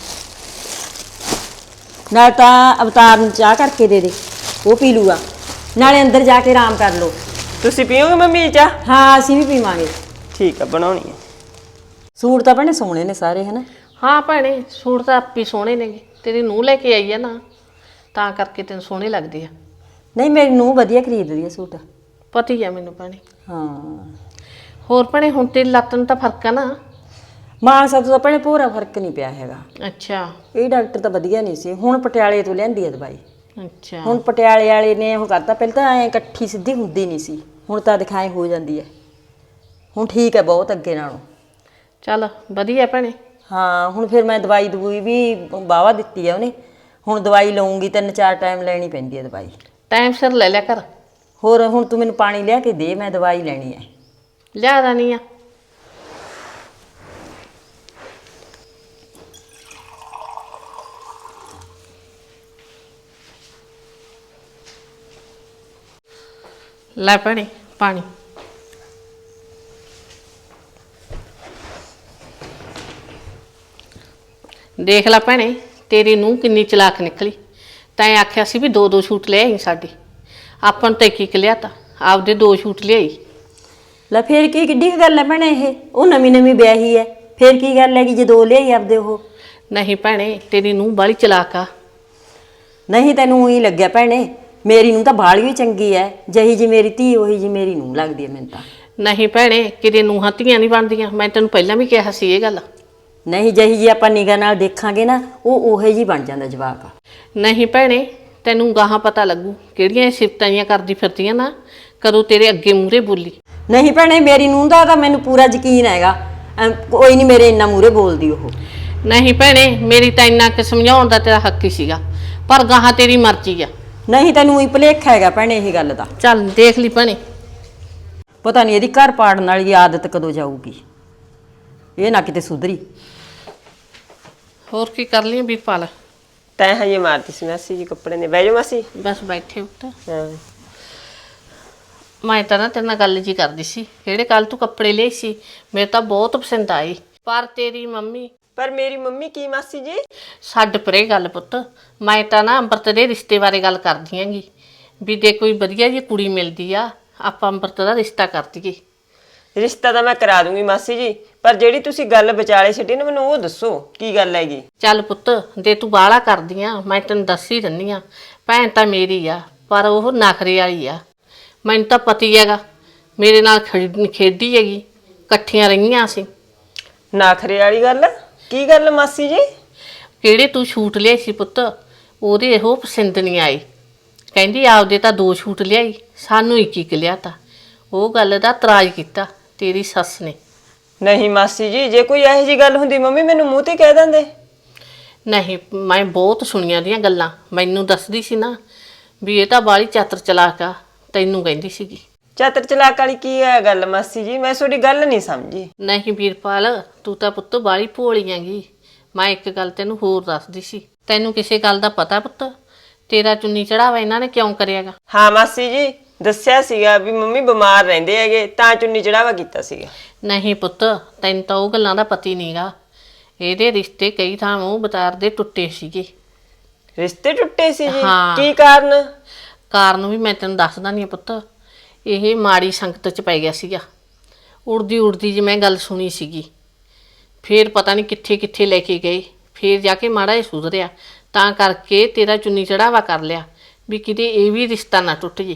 ਨਾਲ ਤਾਂ ਅਵਤਾਰ ਨੂੰ ਚਾਹ ਕਰਕੇ ਦੇ ਦੇ, ਉਹ ਪੀ ਲੂਗਾ। ਨਾਲੇ ਅੰਦਰ ਜਾ ਕੇ ਆਰਾਮ ਕਰ ਲਓ। ਤੁਸੀਂ ਪੀਓਗੇ ਮੰਮੀ ਚਾਹ? ਹਾਂ ਅਸੀਂ ਵੀ ਪੀਵਾਂਗੇ। ਠੀਕ ਆ ਬਣਾਉਣੀ ਹੈ। ਸੂਟ ਤਾਂ ਭੈਣੇ ਸੋਹਣੇ ਨੇ ਸਾਰੇ, ਹਨਾ? ਹਾਂ ਭੈਣੇ ਸੂਟ ਤਾਂ ਆਪੀ ਸੋਹਣੇ ਨੇਗੇ, ਤੇਰੀ ਨੂੰਹ ਲੈ ਕੇ ਆਈ ਆ ਨਾ, ਤਾਂ ਕਰਕੇ ਤੈਨੂੰ ਸੋਹਣੇ ਲੱਗਦੇ ਆ। ਨਹੀਂ ਮੇਰੀ ਨੂੰਹ ਵਧੀਆ ਖਰੀਦਦੀ ਆ ਸੂਟ। ਪਤਾ ਹੀ ਆ ਮੈਨੂੰ ਭੈਣੇ। ਹਾਂ ਹੋਰ ਭੈਣੇ ਹੁਣ ਤੇਰੀ ਲੱਤ ਨੂੰ ਤਾਂ ਫਰਕ ਆ ਨਾ? ਮਾਨਸਾ ਤੋਂ ਤਾਂ ਭੈਣੇ ਪੂਰਾ ਫਰਕ ਨਹੀਂ ਪਿਆ ਹੈਗਾ। ਅੱਛਾ ਇਹ ਡਾਕਟਰ ਤਾਂ ਵਧੀਆ ਨਹੀਂ ਸੀ, ਹੁਣ ਪਟਿਆਲੇ ਤੋਂ ਲਿਆਂਦੀ ਆ ਦਵਾਈ। ਅੱਛਾ ਹੁਣ ਪਟਿਆਲੇ ਵਾਲੇ ਨੇ ਉਹ ਕਰਤਾ, ਪਹਿਲਾਂ ਤਾਂ ਐਂ ਇਕੱਠੀ ਸਿੱਧੀ ਹੁੰਦੀ ਨਹੀਂ ਸੀ, ਹੁਣ ਤਾਂ ਦਿਖਾਏ ਹੋ ਜਾਂਦੀ ਹੈ। ਹੁਣ ਠੀਕ ਹੈ ਬਹੁਤ ਅੱਗੇ ਨਾਲੋਂ। ਚੱਲ ਵਧੀਆ ਭੈਣੇ। ਹਾਂ ਹੁਣ ਫਿਰ ਮੈਂ ਦਵਾਈ ਦਵੂਈ ਵੀ ਵਾਹਵਾ ਦਿੱਤੀ ਆ ਉਹਨੇ। ਹੁਣ ਦਵਾਈ ਲਊਂਗੀ, 3-4 ਟਾਈਮ ਲੈਣੀ ਪੈਂਦੀ ਹੈ ਦਵਾਈ। ਟਾਈਮ ਸਿਰ ਲੈ ਲਿਆ ਕਰ। ਹੋਰ ਹੁਣ ਤੂੰ ਮੈਨੂੰ ਪਾਣੀ ਲਿਆ ਕੇ ਦੇ, ਮੈਂ ਦਵਾਈ ਲੈਣੀ ਹੈ। ਲਿਆ ਦੇਣੀ ਆ। ਲੈ ਭੈਣੇ ਪਾਣੀ। ਦੇਖ ਲੈ ਭੈਣੇ ਤੇਰੀ ਨੂੰਹ ਕਿੰਨੀ ਚਲਾਕ ਨਿਕਲੀ। ਤੈਂ ਆਖਿਆ ਸੀ ਵੀ 2-2 ਸੂਟ ਲੈ ਆਈ ਸਾਡੇ, ਆਪਾਂ ਨੂੰ ਤਾਂ ਇੱਕ ਲਿਆ ਤਾ, ਆਪਦੇ 2 ਸੂਟ ਲਿਆਈ। ਲੈ ਫੇਰ ਕੀ ਕਿੱਡੀ ਕੁ ਗੱਲ ਹੈ ਭੈਣੇ, ਇਹ ਉਹ ਨਵੀਂ ਨਵੀਂ ਵਿਆਹੀ ਹੈ, ਫੇਰ ਕੀ ਗੱਲ ਹੈਗੀ ਜੇ 2 ਲਿਆਈ ਆਪਦੇ ਉਹ? ਨਹੀਂ ਭੈਣੇ ਤੇਰੀ ਨੂੰਹ ਬਾਹਲੀ ਚਲਾਕ ਆ। ਨਹੀਂ ਤੈਨੂੰ ਹੀ ਲੱਗਿਆ ਭੈਣੇ, ਮੇਰੀ ਨੂੰਹ ਤਾਂ ਬਾਹਲੀ ਵੀ ਚੰਗੀ ਹੈ, ਜਿਹੀ ਜੀ ਮੇਰੀ ਧੀ ਉਹੀ ਜੀ ਮੇਰੀ ਨੂੰਹ ਲੱਗਦੀ ਹੈ ਮੈਨੂੰ ਤਾਂ। ਨਹੀਂ ਭੈਣੇ ਕਿਤੇ ਨੂੰਹਾਂ ਧੀਆਂ ਨਹੀਂ ਬਣਦੀਆਂ, ਮੈਂ ਤੈਨੂੰ ਪਹਿਲਾਂ ਵੀ ਕਿਹਾ ਸੀ ਇਹ ਗੱਲ। ਨਹੀਂ ਜਿਹੀ ਜੀ ਆਪਾਂ ਨਿਗਾਹ ਨਾਲ ਦੇਖਾਂਗੇ ਨਾ, ਉਹ ਉਹੇ ਜੀ ਬਣ ਜਾਂਦਾ ਜਵਾਕ। ਨਹੀਂ ਭੈਣੇ ਤੈਨੂੰ ਗਾਹਾਂ ਪਤਾ ਲੱਗੂ ਕਿਹੜੀਆਂ ਸਿਫਤਾਂ ਜੀਆਂ ਕਰਦੀ ਫਿਰਦੀਆਂ ਨਾ, ਕਦੋਂ ਤੇਰੇ ਅੱਗੇ ਮੂਹਰੇ ਬੋਲੀ। ਨਹੀਂ ਭੈਣੇ ਮੇਰੀ ਨੂੰਹ ਦਾ ਤਾਂ ਮੈਨੂੰ ਪੂਰਾ ਯਕੀਨ ਹੈਗਾ, ਕੋਈ ਨਹੀਂ ਮੇਰੇ ਇੰਨਾ ਮੂਹਰੇ ਬੋਲਦੀ ਉਹ। ਨਹੀਂ ਭੈਣੇ ਮੇਰੀ ਤਾਂ ਇੰਨਾ ਕਿ ਸਮਝਾਉਣ ਦਾ ਤੇਰਾ ਹੱਕ ਹੀ ਸੀਗਾ, ਪਰ ਗਾਹਾਂ ਤੇਰੀ ਮਰਜ਼ੀ ਆ। ਨਹੀਂ ਤੈਨੂੰ ਹੀ ਭੁਲੇਖਾ ਹੈਗਾ ਭੈਣੇ ਇਹ ਗੱਲ ਦਾ। ਚੱਲ ਦੇਖ ਲਈ ਭੈਣੇ। ਪਤਾ ਨਹੀਂ ਇਹਦੀ ਘਰ ਪਾੜਨ ਵਾਲੀ ਆਦਤ ਕਦੋਂ ਜਾਊਗੀ, ਇਹ ਨਾ ਕਿਤੇ ਸੁਧਰੀ। ਹੋਰ ਕੀ ਕਰ ਲਈ ਵੀਰਪਾਲ? ਤੈਂ ਹਜੇ ਮਾਰਤੀ ਸੀ ਮਾਸੀ ਜੀ ਕੱਪੜੇ ਨੇ। ਬਹਿ ਜਾਓ ਮਾਸੀ। ਬਸ ਬੈਠੇ ਉੱਤੇ। ਹਾਂ ਮੈਂ ਤਾਂ ਨਾ ਤੇਰੇ ਨਾਲ ਗੱਲ ਜੀ ਕਰਦੀ ਸੀ, ਜਿਹੜੇ ਕੱਲ ਤੂੰ ਕੱਪੜੇ ਲਏ ਸੀ ਮੇਰੇ ਤਾਂ ਬਹੁਤ ਪਸੰਦ ਆਏ, ਪਰ ਤੇਰੀ ਮੰਮੀ। ਪਰ ਮੇਰੀ ਮੰਮੀ ਕੀ ਮਾਸੀ ਜੀ? ਛੱਡ ਪਰੇ ਗੱਲ ਪੁੱਤ, ਮੈਂ ਤਾਂ ਨਾ ਅੰਮ੍ਰਿਤ ਦੇ ਰਿਸ਼ਤੇ ਬਾਰੇ ਗੱਲ ਕਰਦੀ ਆਂਗੀ ਵੀ ਜੇ ਕੋਈ ਵਧੀਆ ਜਿਹੀ ਕੁੜੀ ਮਿਲਦੀ ਆ ਆਪਾਂ ਅੰਮ੍ਰਿਤ ਦਾ ਰਿਸ਼ਤਾ ਕਰ ਦਈਏ। ਰਿਸ਼ਤਾ ਤਾਂ ਮੈਂ ਕਰਾ ਦੂੰਗੀ ਮਾਸੀ ਜੀ, ਪਰ ਜਿਹੜੀ ਤੁਸੀਂ ਗੱਲ ਵਿਚਾਲੇ ਛੱਡੀ ਨਾ ਮੈਨੂੰ ਉਹ ਦੱਸੋ ਕੀ ਗੱਲ ਹੈਗੀ। ਚੱਲ ਪੁੱਤ ਜੇ ਤੂੰ ਬਾਹਲਾ ਕਰਦੀ ਆ ਮੈਂ ਤੈਨੂੰ ਦੱਸ ਹੀ ਦਿੰਦੀ ਆ, ਭੈਣ ਤਾਂ ਮੇਰੀ ਆ ਪਰ ਉਹ ਨਖਰੇ ਵਾਲੀ ਆ, ਮੈਨੂੰ ਤਾਂ ਪਤੀ ਹੈਗਾ ਮੇਰੇ ਨਾਲ ਖੇਡੀ ਹੈਗੀ, ਇਕੱਠੀਆਂ ਰਹੀਆਂ ਅਸੀਂ। ਨਾਖਰੇ ਵਾਲੀ ਗੱਲ ਕੀ ਗੱਲ ਮਾਸੀ ਜੀ? ਕਿਹੜੇ ਤੂੰ ਛੂਟ ਲਿਆਈ ਸੀ ਪੁੱਤ, ਉਹਦੇ ਇਹੋ ਪਸੰਦ ਨਹੀਂ ਆਈ। ਕਹਿੰਦੀ ਆਪਦੇ ਤਾਂ 2 ਛੂਟ ਲਿਆਈ, ਸਾਨੂੰ ਇੱਕ ਲਿਆਤਾ। ਉਹ ਗੱਲ ਦਾ ਇਤਰਾਜ਼ ਕੀਤਾ ਤੇਰੀ ਸੱਸ ਨੇ। ਨਹੀਂ ਮਾਸੀ ਜੀ, ਜੇ ਕੋਈ ਇਹੋ ਜੀ ਗੱਲ ਹੁੰਦੀ ਮੰਮੀ ਮੈਨੂੰ ਮੂੰਹ ਤੇ ਕਹਿ ਦਿੰਦੇ। ਨਹੀਂ, ਮੈਂ ਬਹੁਤ ਸੁਣੀਆਂ ਦੀਆਂ ਗੱਲਾਂ। ਮੈਨੂੰ ਦੱਸਦੀ ਸੀ ਨਾ ਵੀ ਇਹ ਤਾਂ ਬਾਹਲੀ ਚਾਤਰ ਚਲਾਕ ਆ, ਤੈਨੂੰ ਕਹਿੰਦੀ ਸੀਗੀ। ਚਾਤਰ ਚਲਾਕ ਵਾਲੀ ਕੀ ਹੈ ਗੱਲ ਮਾਸੀ ਜੀ? ਮੈਂ ਤੁਹਾਡੀ ਗੱਲ ਨਹੀਂ ਸਮਝੀ। ਨਹੀਂ ਵੀਰਪਾਲ, ਤੂੰ ਤਾਂ ਪੁੱਤ ਬਾਹਲੀ ਭੋਲੀ ਹੈਗੀ। ਮੈਂ ਇੱਕ ਗੱਲ ਤੈਨੂੰ ਹੋਰ ਦੱਸਦੀ ਸੀ। ਤੈਨੂੰ ਕਿਸੇ ਗੱਲ ਦਾ ਪਤਾ ਪੁੱਤ? ਤੇਰਾ ਚੁੰਨੀ ਚੜਾਵਾ ਇਹਨਾਂ ਨੇ ਕਿਉਂ ਕਰਿਆਗਾ? ਹਾਂ ਮਾਸੀ ਜੀ, ਦੱਸਿਆ ਸੀਗਾ ਵੀ ਮੰਮੀ ਬਿਮਾਰ ਰਹਿੰਦੇ ਹੈਗੇ ਤਾਂ ਚੁੰਨੀ ਚੜਾਵਾ ਕੀਤਾ ਸੀਗਾ। ਨਹੀਂ ਪੁੱਤ, ਤੈਨੂੰ ਤਾਂ ਉਹ ਗੱਲਾਂ ਦਾ ਪਤਾ ਹੀ ਨਹੀਂਗਾ। ਇਹਦੇ ਰਿਸ਼ਤੇ ਕਈ ਥਾਂ ਬਤਾਰ ਦੇ ਟੁੱਟੇ ਸੀਗੇ। ਰਿਸ਼ਤੇ ਟੁੱਟੇ ਸੀ ਜੀ? ਹਾਂ। ਕੀ ਕਾਰਨ? ਕਾਰਨ ਵੀ ਮੈਂ ਤੈਨੂੰ ਦੱਸਦਾ ਨਹੀਂ ਪੁੱਤ। ਇਹ ਮਾੜੀ ਸੰਗਤ ਚ ਪੈ ਗਿਆ ਸੀਗਾ। ਉੜਦੀ ਉੜਦੀ ਜੀ ਮੈਂ ਗੱਲ ਸੁਣੀ ਸੀਗੀ। ਫੇਰ ਪਤਾ ਨਹੀਂ ਕਿੱਥੇ ਕਿੱਥੇ ਲੈ ਕੇ ਗਏ। ਫੇਰ ਜਾ ਕੇ ਮਾੜਾ ਜਿਹਾ ਸੁਧਰਿਆ, ਤਾਂ ਕਰਕੇ ਤੇਰਾ ਚੁੰਨੀ ਚੜਾਵਾ ਕਰ ਲਿਆ ਵੀ ਕਿਤੇ ਇਹ ਵੀ ਰਿਸ਼ਤਾ ਨਾ ਟੁੱਟ ਜੇ।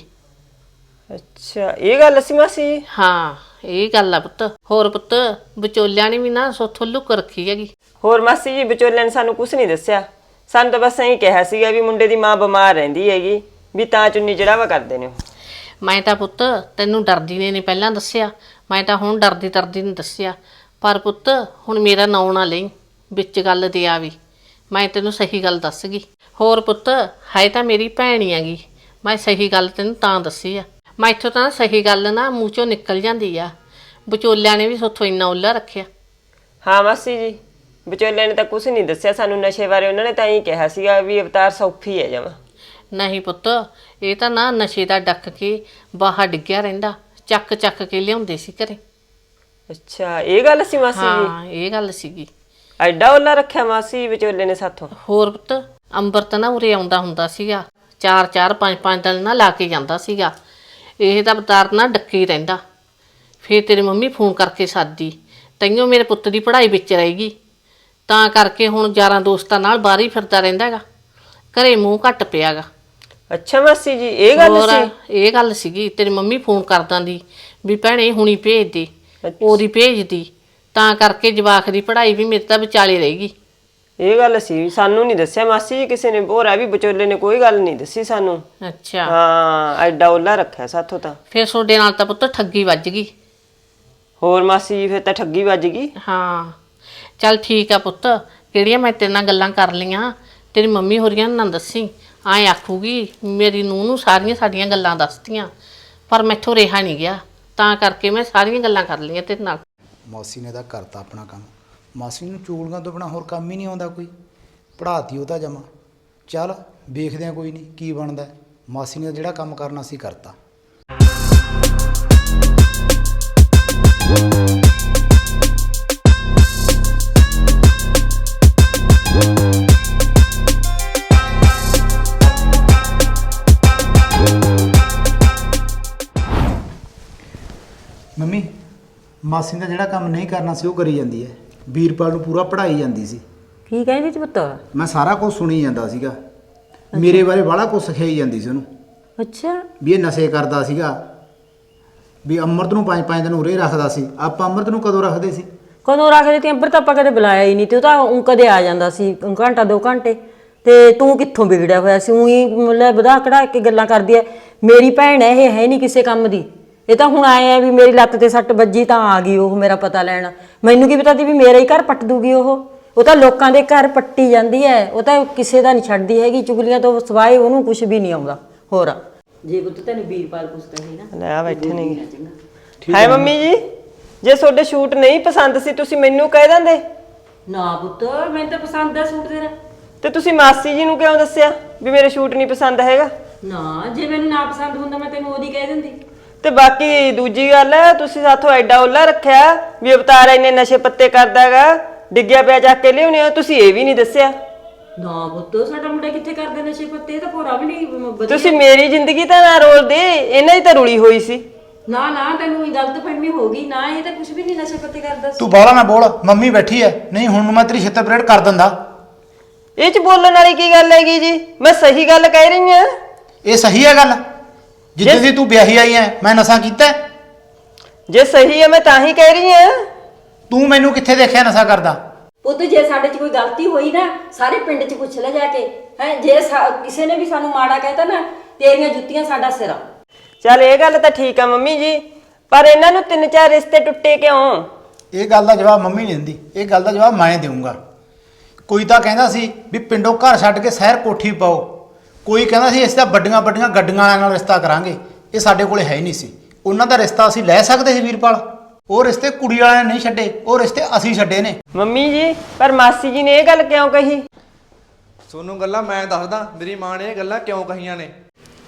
ਅੱਛਾ, ਇਹ ਗੱਲ ਸੀ ਮਾਸੀ ਜੀ? ਹਾਂ, ਇਹ ਗੱਲ ਆ ਪੁੱਤ। ਹੋਰ ਪੁੱਤ, ਵਿਚੋਲਿਆਂ ਨੇ ਵੀ ਨਾ ਸੋਥੋਂ ਲੁੱਕ ਰੱਖੀ ਹੈਗੀ। ਹੋਰ ਮਾਸੀ ਜੀ, ਵਿਚੋਲਿਆਂ ਨੇ ਸਾਨੂੰ ਕੁਝ ਨਹੀਂ ਦੱਸਿਆ। ਸਾਨੂੰ ਤਾਂ ਬਸ ਐਂ ਕਿਹਾ ਸੀਗਾ ਵੀ ਮੁੰਡੇ ਦੀ ਮਾਂ ਬਿਮਾਰ ਰਹਿੰਦੀ ਹੈਗੀ ਵੀ ਤਾਂ ਚੁੰਨੀ ਚੜਾਵਾ ਕਰਦੇ ਨੇ ਉਹ। ਮੈਂ ਤਾਂ ਪੁੱਤ ਤੈਨੂੰ ਡਰਦੀ ਨੇ ਨਹੀਂ ਪਹਿਲਾਂ ਦੱਸਿਆ, ਮੈਂ ਤਾਂ ਹੁਣ ਡਰਦੀ ਨਹੀਂ ਦੱਸਿਆ। ਪਰ ਪੁੱਤ ਹੁਣ ਮੇਰਾ ਨਾਂ ਨਾ ਲਈ ਵਿੱਚ ਗੱਲ ਦੇ ਆਵੀ। ਮੈਂ ਤੈਨੂੰ ਸਹੀ ਗੱਲ ਦੱਸ ਗਈ। ਹੋਰ ਪੁੱਤ, ਹੈ ਤਾਂ ਮੇਰੀ ਭੈਣ ਹੀ ਹੈਗੀ। ਮੈਂ ਸਹੀ ਗੱਲ ਤੈਨੂੰ ਤਾਂ ਦੱਸੀ ਆ। ਮੈਂ ਇੱਥੋਂ ਤਾਂ ਸਹੀ ਗੱਲ ਨਾ ਮੂੰਹ ਚੋਂ ਨਿਕਲ ਜਾਂਦੀ ਆ। ਵਿਚੋਲਿਆਂ ਨੇ ਵੀ ਸੋਥੋਂ ਇੰਨਾ ਉੱਲਾ ਰੱਖਿਆ। ਹਾਂ ਮਾਸੀ ਜੀ, ਵਿਚੋਲਿਆਂ ਨੇ ਤਾਂ ਕੁਝ ਨਹੀਂ ਦੱਸਿਆ ਸਾਨੂੰ ਨਸ਼ੇ ਬਾਰੇ। ਉਹਨਾਂ ਨੇ ਤਾਂ ਹੀ ਕਿਹਾ ਸੀਗਾ ਵੀ ਅਵਤਾਰ ਸੌਖੀ ਹੈ ਜਮਾ। ਨਹੀਂ ਪੁੱਤ, ਇਹ ਤਾਂ ਨਾ ਨਸ਼ੇ ਦਾ ਡੱਕ ਕੇ ਬਾਹਰ ਡਿੱਗਿਆ ਰਹਿੰਦਾ। ਚੱਕ ਚੱਕ ਕੇ ਲਿਆਉਂਦੇ ਸੀ ਘਰੇ। ਅੱਛਾ, ਇਹ ਗੱਲ ਸੀ ਮਾਸੀ ਜੀ? ਹਾਂ, ਇਹ ਗੱਲ ਸੀਗੀ। ਐਡਾ ਉੱਲਾ ਰੱਖਿਆ ਮਾਸੀ ਵਿਚੋਲੇ ਨੇ ਸਾਥੋਂ? ਹੋਰ ਪੁੱਤ, ਅੰਬਰਤ ਨਾ ਉਰੇ ਆਉਂਦਾ ਹੁੰਦਾ ਸੀਗਾ। 4-4 5-5 ਦਿਨ ਨਾ ਲਾ ਕੇ ਜਾਂਦਾ ਸੀਗਾ। ਇਹ ਤਾਂ ਅਵਤਾਰ ਨਾ ਡੱਕੇ ਹੀ ਰਹਿੰਦਾ। ਫਿਰ ਤੇਰੀ ਮੰਮੀ ਫੋਨ ਕਰਕੇ ਸਾਦੀ, ਤੈਨੂੰ ਮੇਰੇ ਪੁੱਤ ਦੀ ਪੜ੍ਹਾਈ ਵਿੱਚ ਰਹੇਗੀ, ਤਾਂ ਕਰਕੇ ਹੁਣ ਯਾਰਾਂ ਦੋਸਤਾਂ ਨਾਲ ਬਾਹਰ ਹੀ ਫਿਰਦਾ ਰਹਿੰਦਾ ਹੈਗਾ। ਘਰੇ ਮੂੰਹ ਘੱਟ ਪਿਆਗਾ। ਅੱਛਾ ਮਾਸੀ ਜੀ, ਇਹ ਗੱਲ ਹੋਰ ਸੀ? ਇਹ ਗੱਲ ਸੀਗੀ। ਤੇਰੀ ਮੰਮੀ ਫੋਨ ਕਰ ਦਿੰਦੀ ਵੀ ਭੈਣੇ ਹੁਣੀ ਭੇਜ ਦੇ, ਉਹਦੀ ਭੇਜਦੀ, ਤਾਂ ਕਰਕੇ ਜਵਾਕ ਦੀ ਪੜ੍ਹਾਈ ਵੀ ਮੇਰੇ ਤਾਂ ਵਿਚਾਲੇ ਰਹੇਗੀ। ਇਹ ਗੱਲ ਸੀ? ਸਾਨੂੰ ਨਹੀਂ ਦੱਸਿਆ ਮਾਸੀ ਜੀ ਕਿਸੇ ਨੇ। ਹੋਰ ਆ ਵੀ ਵਿਚੋਲੇ ਨੇ ਕੋਈ ਗੱਲ ਨਹੀਂ ਦੱਸੀ ਸਾਨੂੰ। ਅੱਛਾ, ਹਾਂ, ਐਡਾ ਉੱਲਾ ਰੱਖਿਆ ਸਾਥੋਂ ਤਾਂ। ਫਿਰ ਤੁਹਾਡੇ ਨਾਲ ਤਾਂ ਪੁੱਤ ਠੱਗੀ ਵੱਜ ਗਈ। ਹੋਰ ਮਾਸੀ ਜੀ, ਫਿਰ ਤਾਂ ਠੱਗੀ ਵੱਜ ਗਈ। ਹਾਂ, ਚੱਲ ਠੀਕ ਆ ਪੁੱਤ। ਕਿਹੜੀਆਂ ਮੈਂ ਤੇਰੇ ਨਾਲ ਗੱਲਾਂ ਕਰ ਲਈਆਂ, ਤੇਰੀ ਮੰਮੀ ਹੋਰੀਆਂ ਨਾ ਦੱਸੀ। ਐਂ ਆਖੂਗੀ ਮੇਰੀ ਨੂੰਹ ਨੂੰ ਸਾਰੀਆਂ ਸਾਡੀਆਂ ਗੱਲਾਂ ਦੱਸਤੀਆਂ, ਪਰ ਮੈਥੋਂ ਰਿਹਾ ਨਹੀਂ ਗਿਆ, ਤਾਂ ਕਰਕੇ ਮੈਂ ਸਾਰੀਆਂ ਗੱਲਾਂ ਕਰ ਲਈਆਂ ਤੇਰੇ ਨਾਲ। ਮਾਸੀ ਨੇ ਤਾਂ ਕਰਤਾ ਆਪਣਾ ਕੰਮ। ਮਾਸੀ ਨੂੰ ਚੂੜੀਆਂ ਤੋਂ ਬਿਨਾ ਹੋਰ ਕੰਮ ਹੀ ਨਹੀਂ ਆਉਂਦਾ ਕੋਈ। ਪੜ੍ਹਾਤੀ ਉਹ ਤਾਂ ਜਮਾ। ਚੱਲ ਵੇਖਦੇ ਆ, ਕੋਈ ਨਹੀਂ ਕੀ ਬਣਦਾ। ਮਾਸੀ ਨੇ ਜਿਹੜਾ ਕੰਮ ਕਰਨਾ ਸੀ ਕਰਤਾ। ਮੰਮੀ, ਮਾਸੀ ਨੇ ਜਿਹੜਾ ਕੰਮ ਨਹੀਂ ਕਰਨਾ ਸੀ ਉਹ ਕਰੀ ਜਾਂਦੀ ਹੈ। ਵੀਰਪਾਲ ਨੂੰ ਪੂਰਾ ਪੜ੍ਹਾਈ ਜਾਂਦੀ ਸੀ। ਕੀ ਕਹਿੰਦੀ ਸੀ ਪੁੱਤ? ਮੈਂ ਸਾਰਾ ਕੁਝ ਸੁਣੀ ਜਾਂਦਾ ਸੀਗਾ। ਮੇਰੇ ਬਾਰੇ ਬਾਹਲਾ ਕੁਝ ਸਿਖਾਈ ਜਾਂਦੀ ਸੀ ਉਹਨੂੰ, ਅੱਛਾ, ਵੀ ਇਹ ਨਸ਼ੇ ਕਰਦਾ ਸੀਗਾ, ਵੀ ਅੰਮ੍ਰਿਤ ਨੂੰ 5-5 ਦਿਨ ਉਰੇ ਰੱਖਦਾ ਸੀ। ਆਪਾਂ ਅੰਮ੍ਰਿਤ ਨੂੰ ਕਦੋਂ ਰੱਖਦੇ ਸੀ? ਕਦੋਂ ਰੱਖਦੇ ਤੀ? ਅੰਬਰ ਤਾਂ ਆਪਾਂ ਕਦੇ ਬੁਲਾਇਆ ਹੀ ਨਹੀਂ ਤੇ ਉਹ ਤਾਂ ਊਂ ਕਦੇ ਆ ਜਾਂਦਾ ਸੀ ਘੰਟਾ 2 ਘੰਟੇ। ਤੇ ਤੂੰ ਕਿੱਥੋਂ ਵਿਗੜਿਆ ਹੋਇਆ ਸੀ? ਊਂ ਹੀ ਮਤਲਬ ਵਧਾ ਕਢਾ ਕੇ ਗੱਲਾਂ ਕਰਦੀ ਐ। ਮੇਰੀ ਭੈਣ ਐ, ਇਹ ਹੈ ਨਹੀਂ ਕਿਸੇ ਕੰਮ ਦੀ। ਇਹ ਤਾਂ ਹੁਣ ਆਏ ਆ ਵੀ ਮੇਰੀ ਲੱਤ ਤੇ ਸੱਟ ਵੱਜੀ ਤਾਂ ਆ ਗਈ ਉਹ ਮੇਰਾ ਪਤਾ ਲੈਣ। ਮੈਨੂੰ ਕੀ ਪਤਾ ਸੀ ਵੀ ਮੇਰਾ ਹੀ ਘਰ ਪੱਟ ਦੂਗੀ ਉਹ ਤਾਂ ਲੋਕਾਂ ਦੇ ਘਰ ਪੱਟੀ ਜਾਂਦੀ ਐ। ਉਹ ਤਾਂ ਕਿਸੇ ਦਾ ਨਹੀਂ ਛੱਡਦੀ ਹੈਗੀ। ਚੁਗਲੀਆਂ ਤੋਂ ਸਿਵਾਏ ਉਹਨੂੰ ਕੁਝ ਵੀ ਨਹੀਂ ਆਉਂਦਾ। ਹੋਰ ਜੇ ਪੁੱਤ ਤੈਨੂੰ ਵੀਰਪਾਲ ਪੁੱਛਦਾ ਸੀ ਨਾ, ਲੈ ਆ ਬੈਠੇ ਨੇ। ਹਾਏ ਮੰਮੀ ਜੀ, ਜੇ ਤੁਹਾਡੇ ਸ਼ੂਟ ਨਹੀਂ ਪਸੰਦ ਸੀ ਤੁਸੀਂ ਮੈਨੂੰ ਕਹਿ ਦਿੰਦੇ। ਨਾ ਪੁੱਤ, ਮੈਨੂੰ ਤਾਂ ਪਸੰਦ ਆ ਸੂਟ ਤੇਰਾ। ਤੇ ਤੁਸੀਂ ਮਾਸੀ ਜੀ ਨੂੰ ਕਿਉਂ ਦੱਸਿਆ ਵੀ ਮੇਰੇ ਸ਼ੂਟ ਨਹੀਂ ਪਸੰਦ ਹੈਗਾ? ਨਾ, ਜੇ ਮੈਨੂੰ ਨਾ ਪਸੰਦ ਹੁੰਦਾ ਮੈਂ ਤੈਨੂੰ ਉਹਦੀ ਕਹਿ ਦਿੰਦੀ। ਤੇ ਬਾਕੀ ਦੂਜੀ ਗੱਲ ਹੈ, ਤੁਸੀਂ ਸਾਥੋਂ ਐਡਾ ਉੱਲਾ ਰੱਖਿਆ ਵੀ ਅਵਤਾਰ ਇੰਨੇ ਨਸ਼ੇ ਪੱਤੇ ਕਰਦਾ ਹੈਗਾ, ਡਿੱਗਿਆ ਪਿਆ ਚੱਕ ਕੇ ਲਿਆਉਣੇ ਹੋ, ਤੁਸੀਂ ਇਹ ਵੀ ਨਹੀਂ ਦੱਸਿਆ। ਨਾ ਪੁੱਤ, ਸਾਡਾ ਮੁੰਡਾ ਕਿੱਥੇ ਕਰਦੇ ਨਸ਼ੇ ਪੱਤੇ? ਇਹ ਤਾਂ ਭੋਰਾ ਵੀ ਨਹੀਂ ਵਧੀਆ। ਤੁਸੀਂ ਮੇਰੀ ਜ਼ਿੰਦਗੀ ਤਾਂ ਨਾ ਰੋਲਦੇ, ਇਹਨਾਂ ਦੀ ਤਾਂ ਰੁਲੀ ਹੋਈ ਸੀ। ਨਾ ਨਾ, ਤੈਨੂੰ ਇਹ ਗਲਤ ਫਹਿਮੀ ਹੋ ਗਈ ਨਾ। ਇਹ ਤਾਂ ਕੁਝ ਵੀ ਨਹੀਂ ਨਸ਼ੇ ਪੱਤੇ ਕਰਦਾ ਸੀ। ਤੂੰ ਬਾਹਲਾ ਨਾ ਬੋਲ, ਮੰਮੀ ਬੈਠੀ ਐ। ਨਹੀਂ ਹੁਣ ਨੂੰ ਮੈਂ ਤੇਰੀ ਛਿੱਤਰ ਪਰੇਡ ਕਰ ਦਿੰਦਾ। ਇਹ ਚ ਬੋਲਣ ਵਾਲੀ ਕੀ ਗੱਲ ਹੈਗੀ ਜੀ? ਮੈਂ ਸਹੀ ਗੱਲ ਕਹਿ ਰਹੀ ਹਾਂ। ਇਹ ਸਹੀ ਹੈ ਗੱਲ? ਜਿੱਦਾਂ ਦੀ ਤੂੰ ਵਿਆਹੀ ਆਈ ਐ ਮੈਂ ਨਸ਼ਾ ਕੀਤਾ? ਜੇ ਸਹੀ ਹੈ ਮੈਂ ਤਾਂ ਹੀ ਕਹਿ ਰਹੀ ਹਾਂ। ਤੂੰ ਮੈਨੂੰ ਕਿੱਥੇ ਦੇਖਿਆ ਨਸ਼ਾ ਕਰਦਾ? ਪੁੱਤ ਜੇ ਸਾਡੇ 'ਚ ਕੋਈ ਗਲਤੀ ਹੋਈ ਨਾ ਸਾਰੇ ਪਿੰਡ 'ਚ ਪੁੱਛ ਲੈ ਜਾ ਕੇ ਹੈ। ਜੇ ਕਿਸੇ ਨੇ ਵੀ ਸਾਨੂੰ ਮਾੜਾ ਕਹਿਤਾ ਨਾ ਤੇਰੀਆਂ ਜੁੱਤੀਆਂ ਸਾਡਾ ਸਿਰ ਆ। ਚੱਲ ਇਹ ਗੱਲ ਤਾਂ ਠੀਕ ਆ ਮੰਮੀ ਜੀ, ਪਰ ਇਹਨਾਂ ਨੂੰ 3-4 ਰਿਸ਼ਤੇ ਟੁੱਟੇ ਕਿਉਂ? ਇਹ ਗੱਲ ਦਾ ਜਵਾਬ ਮੰਮੀ ਨਹੀਂ ਦਿੰਦੀ, ਇਹ ਗੱਲ ਦਾ ਜਵਾਬ ਮੈਂ ਦੇਵਾਂਗਾ। ਕੋਈ ਤਾਂ ਕਹਿੰਦਾ ਸੀ ਵੀ ਪਿੰਡੋਂ ਘਰ ਛੱਡ ਕੇ ਸ਼ਹਿਰ ਕੋਠੀ ਪਾਓ, ਕੋਈ ਕਹਿੰਦਾ ਸੀ ਅਸੀਂ ਤਾਂ ਵੱਡੀਆਂ ਵੱਡੀਆਂ ਗੱਡੀਆਂ ਵਾਲਿਆਂ ਨਾਲ ਰਿਸ਼ਤਾ ਕਰਾਂਗੇ। ਇਹ ਸਾਡੇ ਕੋਲੇ ਹੈ ਹੀ ਨਹੀਂ ਸੀ। ਉਹਨਾਂ ਦਾ ਰਿਸ਼ਤਾ ਅਸੀਂ ਲੈ ਸਕਦੇ ਸੀ ਵੀਰਪਾਲ, ਉਹ ਰਿਸ਼ਤੇ ਕੁੜੀ ਵਾਲਿਆਂ ਨੇ ਨਹੀਂ ਛੱਡੇ, ਉਹ ਰਿਸ਼ਤੇ ਅਸੀਂ ਛੱਡੇ ਨੇ। ਮੰਮੀ ਜੀ ਪਰ ਮਾਸੀ ਜੀ ਨੇ ਇਹ ਗੱਲ ਕਿਉਂ ਕਹੀ? ਤੁਹਾਨੂੰ ਗੱਲਾਂ ਮੈਂ ਦੱਸਦਾ, ਮੇਰੀ ਮਾਂ ਨੇ ਇਹ ਗੱਲਾਂ ਕਿਉਂ ਕਹੀਆਂ ਨੇ।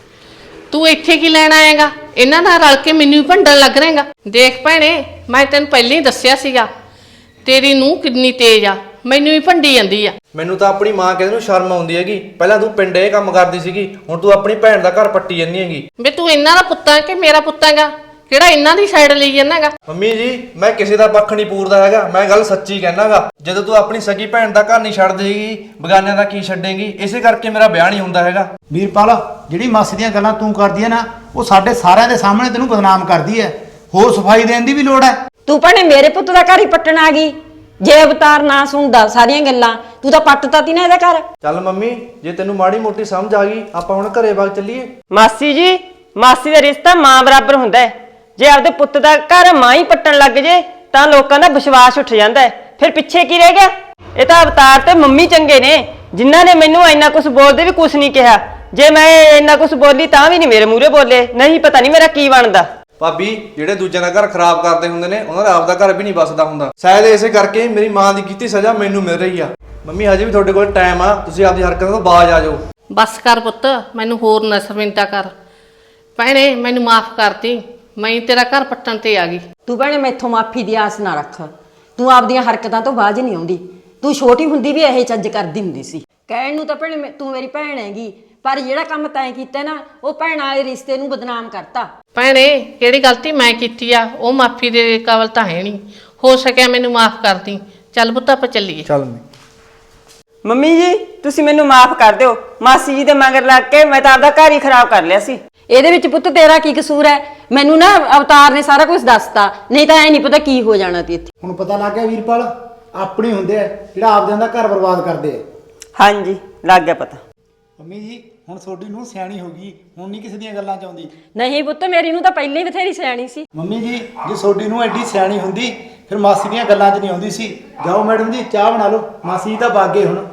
ਤੂੰ ਇੱਥੇ ਕੀ ਲੈਣ ਆਏਗਾ? ਇਹਨਾਂ ਨਾਲ ਰਲ ਕੇ ਮੈਨੂੰ ਹੀ ਭੰਡਣ ਲੱਗ ਰਹੇਗਾ। ਦੇਖ ਭੈਣੇ, ਮੈਂ ਤੈਨੂੰ ਪਹਿਲਾਂ ਹੀ ਦੱਸਿਆ ਸੀਗਾ ਤੇਰੀ ਨੂੰਹ ਕਿੰਨੀ ਤੇਜ਼ ਆ, ਮੈਨੂੰ ਹੀ ਭੰਡੀ ਜਾਂਦੀ ਆ। ਮੈਨੂੰ ਤਾਂ ਆਪਣੀ ਮਾਂ ਕਹਿੰਦੇ ਨੂੰ ਸ਼ਰਮ ਆਉਂਦੀ ਹੈਗੀ। ਪਹਿਲਾਂ ਤੂੰ ਪਿੰਡ ਇਹ ਕੰਮ ਕਰਦੀ ਸੀਗੀ, ਹੁਣ ਤੂੰ ਆਪਣੀ ਭੈਣ ਦਾ ਘਰ ਪੱਟੀ ਜਾਂਦੀ ਹੈਗੀ। ਵੇ ਤੂੰ ਇਹਨਾਂ ਦਾ ਪੁੱਤ ਆ ਕਿ ਮੇਰਾ ਪੁੱਤ ਹੈਗਾ? ਕਿਹੜਾ ਇਹਨਾਂ ਦੀ ਸਾਈਡ ਲਈ ਜਾਂਦਾਗਾ? ਮੰਮੀ ਜੀ ਮੈਂ ਕਿਸੇ ਦਾ ਪੱਖ ਨਹੀਂ ਪੂਰਦਾ ਹੈਗਾ, ਮੈਂ ਗੱਲ ਸੱਚੀ ਕਹਿਣਾਗਾ। ਜਦੋਂ ਤੂੰ ਆਪਣੀ ਸਗੀ ਭੈਣ ਦਾ ਘਰ ਨਹੀਂ ਛੱਡ ਦੇਗੀ, ਬਗਾਨਿਆਂ ਦਾ ਕੀ ਛੱਡੇਂਗੀ? ਇਸੇ ਕਰਕੇ ਮੇਰਾ ਵਿਆਹ ਨਹੀਂ ਹੁੰਦਾ ਹੈਗਾ। ਵੀਰਪਾਲ, ਜਿਹੜੀ ਮਾਸੀ ਦੀਆਂ ਗੱਲਾਂ ਤੂੰ ਕਰਦੀ ਹੈ ਨਾ, ਉਹ ਸਾਡੇ ਸਾਰਿਆਂ ਦੇ ਸਾਹਮਣੇ ਤੈਨੂੰ ਬਦਨਾਮ ਕਰਦੀ ਹੈ। ਹੋਰ ਸਫਾਈ ਦੇਣ ਦੀ ਵੀ ਲੋੜ ਹੈ। ਤੂੰ ਭੈਣੇ ਮੇਰੇ ਪੁੱਤ ਦਾ ਘਰ ਹੀ ਪੱਟਣ ਆ ਗਈ। ਜੇ ਅਵਤਾਰ ਨਾ ਸੁਣਦਾ ਸਾਰੀਆਂ ਗੱਲਾਂ, ਤੂੰ ਤਾਂ ਪੱਟਤਾ ਤੀ ਨਾ ਇਹਦਾ ਘਰ। ਚੱਲ ਮੰਮੀ ਜੇ ਤੈਨੂੰ ਮਾੜੀ ਮੋਟੀ ਸਮਝ ਆ ਗਈ, ਆਪਾਂ ਹੁਣ ਘਰੇ ਵਗ ਚੱਲੀਏ। ਮਾਸੀ ਜੀ, ਮਾਸੀ ਦਾ ਰਿਸ਼ਤਾ ਮਾਂ ਬਰਾਬਰ ਹੁੰਦਾ ਹੈ। ਜੇ ਆਪਦੇ ਪੁੱਤ ਦਾ ਘਰ ਮਾਂ ਹੀ ਪੱਟਣ ਲੱਗ ਜੇ ਤਾਂ ਲੋਕਾਂ ਦਾ ਵਿਸ਼ਵਾਸ ਉੱਠ ਜਾਂਦਾ ਹੈ। ਫਿਰ ਪਿੱਛੇ ਕੀ ਰਹਿ ਗਿਆ? ਇਹ ਤਾਂ ਅਵਤਾਰ ਤੇ ਮੰਮੀ ਚੰਗੇ ਨੇ, ਜਿਨ੍ਹਾਂ ਨੇ ਮੈਨੂੰ ਇੰਨਾ ਕੁਝ ਬੋਲਦੇ ਵੀ ਕੁਝ ਨਹੀਂ ਕਿਹਾ। ਜੇ ਮੈਂ ਇੰਨਾ ਕੁਝ ਬੋਲੀ ਤਾਂ ਵੀ ਨਹੀਂ ਮੇਰੇ ਮੂਹਰੇ ਬੋਲੇ, ਨਹੀਂ ਪਤਾ ਨਹੀਂ ਮੇਰਾ ਕੀ ਬਣਦਾ। ਭਾਬੀ ਜਿਹੜੇ ਦੂਜਿਆਂ ਦਾ ਘਰ ਖਰਾਬ ਕਰਦੇ ਹੁੰਦੇ ਨੇ, ਉਹਨਾਂ ਦਾ ਆਪਦਾ ਘਰ ਵੀ ਨਹੀਂ ਬਸਦਾ ਹੁੰਦਾ। ਸ਼ਾਇਦ ਇਸੇ ਕਰਕੇ ਮੇਰੀ ਮਾਂ ਦੀ ਕੀਤੀ ਸਜ਼ਾ ਮੈਨੂੰ ਮਿਲ ਰਹੀ ਆ। ਮੰਮੀ ਹਜੇ ਵੀ ਤੁਹਾਡੇ ਕੋਲ ਟਾਈਮ ਆ, ਤੁਸੀਂ ਆਪਦੀ ਹਰਕਤਾਂ ਤੋਂ ਬਾਜ਼ ਆ ਜਾਓ। ਬਸ ਕਰ ਪੁੱਤ, ਮੈਨੂੰ ਹੋਰ ਨਾ ਸ਼ਰਮਿੰਦਾ ਕਰ। ਭੈਣੇ ਮੈਨੂੰ ਮਾਫ ਕਰਤੀ, ਮੈਂ ਤੇਰਾ ਘਰ ਪੱਟਣ ਤੇ ਆ ਗਈ। ਤੂੰ ਭੈਣੇ ਮੈਥੋਂ ਮਾਫੀ ਦੀ ਆਸ ਨਾ ਰੱਖ। ਤੂੰ ਆਪਦੀਆਂ ਹਰਕਤਾਂ ਤੋਂ ਬਾਜ਼ ਨਹੀਂ ਆਉਂਦੀ। ਤੂੰ ਛੋਟੀ ਹੁੰਦੀ ਵੀ ਇਹੇ ਚੱਜ ਕਰਦੀ ਹੁੰਦੀ ਸੀ। ਕਹਿਣ ਨੂੰ ਤਾਂ ਭੈਣੇ ਤੂੰ ਮੇਰੀ ਭੈਣ ਹੈਗੀ, ਪਰ ਜਿਹੜਾ ਕੰਮ ਤੈਂ ਕੀਤਾ ਨਾ, ਉਹ ਭੈਣ ਵਾਲੇ ਰਿਸ਼ਤੇ ਨੂੰ ਬਦਨਾਮ ਕਰਤਾ। ਭੈਣੇ ਕਿਹੜੀ ਗਲਤੀ ਮੈਂ ਕੀਤੀ ਆ? ਉਹ ਮਾਫੀ ਦੇ ਕਾਬਲ ਤਾਂ ਹੈ ਨਹੀਂ। ਹੋ ਸਕਿਆ ਮੈਨੂੰ ਮਾਫ ਕਰਦੀ। ਚੱਲ ਪੁੱਤ ਆਪਾਂ ਚੱਲੀਏ। ਚੱਲ ਮੰਮੀ ਜੀ ਤੁਸੀਂ ਮੈਨੂੰ ਮਾਫ ਕਰ ਦਿਓ। ਮਾਸੀ ਜੀ ਦੇ ਮਗਰ ਲੱਗ ਕੇ ਮੈਂ ਤਾਂ ਆਪਦਾ ਘਰ ਹੀ ਖਰਾਬ ਕਰ ਲਿਆ ਸੀ। ਇਹਦੇ ਵਿੱਚ ਪੁੱਤ ਤੇਰਾ ਕੀ ਕਸੂਰ ਹੈ? ਮੈਨੂੰ ਨਾ ਅਵਤਾਰ ਨੇ ਸਾਰਾ ਕੁਝ ਦੱਸਤਾ, ਨਹੀਂ ਤਾਂ ਐ ਨਹੀਂ ਪਤਾ ਕੀ ਹੋ ਜਾਣਾ ਤੀ ਇੱਥੇ। ਹੁਣ ਪਤਾ ਲੱਗ ਗਿਆ ਵੀਰਪਾਲ, ਆਪਣੇ ਹੁੰਦੇ ਆ ਜਿਹੜਾ ਆਪਦਿਆਂ ਦਾ ਘਰ ਬਰਬਾਦ ਕਰਦੇ ਆ। ਹਾਂਜੀ ਲੱਗ ਗਿਆ ਪਤਾ। ਮੰਮੀ ਜੀ ਹੁਣ ਤੁਹਾਡੀ ਨੂੰ ਸਿਆਣੀ ਹੋ ਗਈ, ਹੁਣ ਨਹੀਂ ਕਿਸੇ ਦੀਆਂ ਗੱਲਾਂ ਚ ਆਉਂਦੀ। ਨਹੀਂ ਪੁੱਤ, ਮੇਰੀ ਨੂੰ ਤਾਂ ਪਹਿਲਾਂ ਹੀ ਬਥੇਰੀ ਸਿਆਣੀ ਸੀ। ਮੰਮੀ ਜੀ ਜੇ ਤੁਹਾਡੀ ਨੂੰ ਐਡੀ ਸਿਆਣੀ ਹੁੰਦੀ ਫਿਰ ਮਾਸੀ ਦੀਆਂ ਗੱਲਾਂ 'ਚ ਨਹੀਂ ਆਉਂਦੀ ਸੀ। ਜਾਓ ਮੈਡਮ ਜੀ ਚਾਹ ਬਣਾ ਲਓ, ਮਾਸੀ ਜੀ ਤਾਂ ਬਾਗੇ ਹੁਣ।